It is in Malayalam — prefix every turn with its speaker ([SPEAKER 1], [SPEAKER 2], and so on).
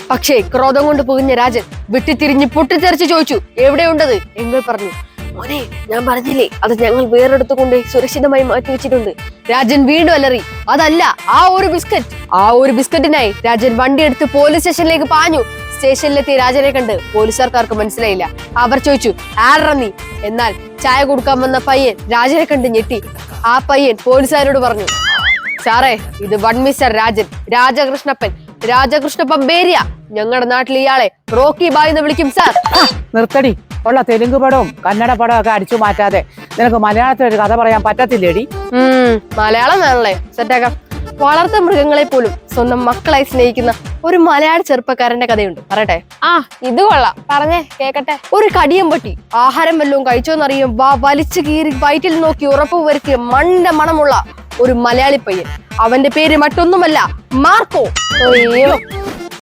[SPEAKER 1] പക്ഷേ ക്രോധം കൊണ്ട് പുകഞ്ഞ രാജൻ വിട്ടിത്തിരിഞ്ഞ് പൊട്ടിത്തെറിച്ച് ചോദിച്ചു, എവിടെയുണ്ടത്? എങ്കിൽ പറഞ്ഞു, മോനെ, ഞാൻ പറഞ്ഞില്ലേ, അത് ഞങ്ങൾ വേറെടുത്ത് കൊണ്ട് സുരക്ഷിതമായി മാറ്റി വെച്ചിട്ടുണ്ട്. രാജൻ വീണ്ടും അലറി, അതല്ല, ആ ഒരു ബിസ്ക്കറ്റിനായി രാജൻ വണ്ടിയെടുത്ത് പോലീസ് സ്റ്റേഷനിലേക്ക് പാഞ്ഞു. സ്റ്റേഷനിലെത്തിയ രാജനെ കണ്ട് പോലീസുകാർക്ക് മനസ്സിലായില്ല. അവർ ചോദിച്ചു, ആരാ നീ? എന്നാൽ ചായ കൊടുക്കാൻ വന്ന പയ്യൻ രാജനെ കണ്ട് ഞെട്ടി. ആ പയ്യൻ പോലീസുകാരോട് പറഞ്ഞു, സാറേ, ഇത് വൺ മിസ്റ്റർ രാജൻ, രാജകൃഷ്ണപ്പൻ ബേരിയ. ഞങ്ങളുടെ നാട്ടിൽ ഇയാളെ റോക്കി ബായ് എന്ന് വിളിക്കും സാർ.
[SPEAKER 2] നിർത്തടി. ഉള്ള തെലുങ്ക് പടവും കന്നഡ പടവും ഒക്കെ അടിച്ചു മാറ്റാതെ നിനക്ക് മലയാളത്തിൽ ഒരു കഥ പറയാൻ പറ്റത്തില്ലേടി?
[SPEAKER 1] മലയാളം വേണല്ലേ, സെറ്റാക്കാം. വളർത്ത മൃഗങ്ങളെ പോലും സ്വന്തം മക്കളായി സ്നേഹിക്കുന്ന ഒരു മലയാള ചെറുപ്പക്കാരന്റെ കഥയുണ്ട്, പറയട്ടെ?
[SPEAKER 3] ഇത് കൊള്ളാം, പറഞ്ഞേ കേക്കട്ടെ.
[SPEAKER 1] ഒരു കടിയം പട്ടി ആഹാരം വല്ലതും കഴിച്ചോന്നറിയും വലിച്ചു കീറി വയറ്റിൽ നോക്കി ഉറപ്പ് വരുത്തിയ മണമുള്ള ഒരു മലയാളി പയ്യൻ. അവന്റെ പേര് മറ്റൊന്നുമല്ല, മാർക്കോ.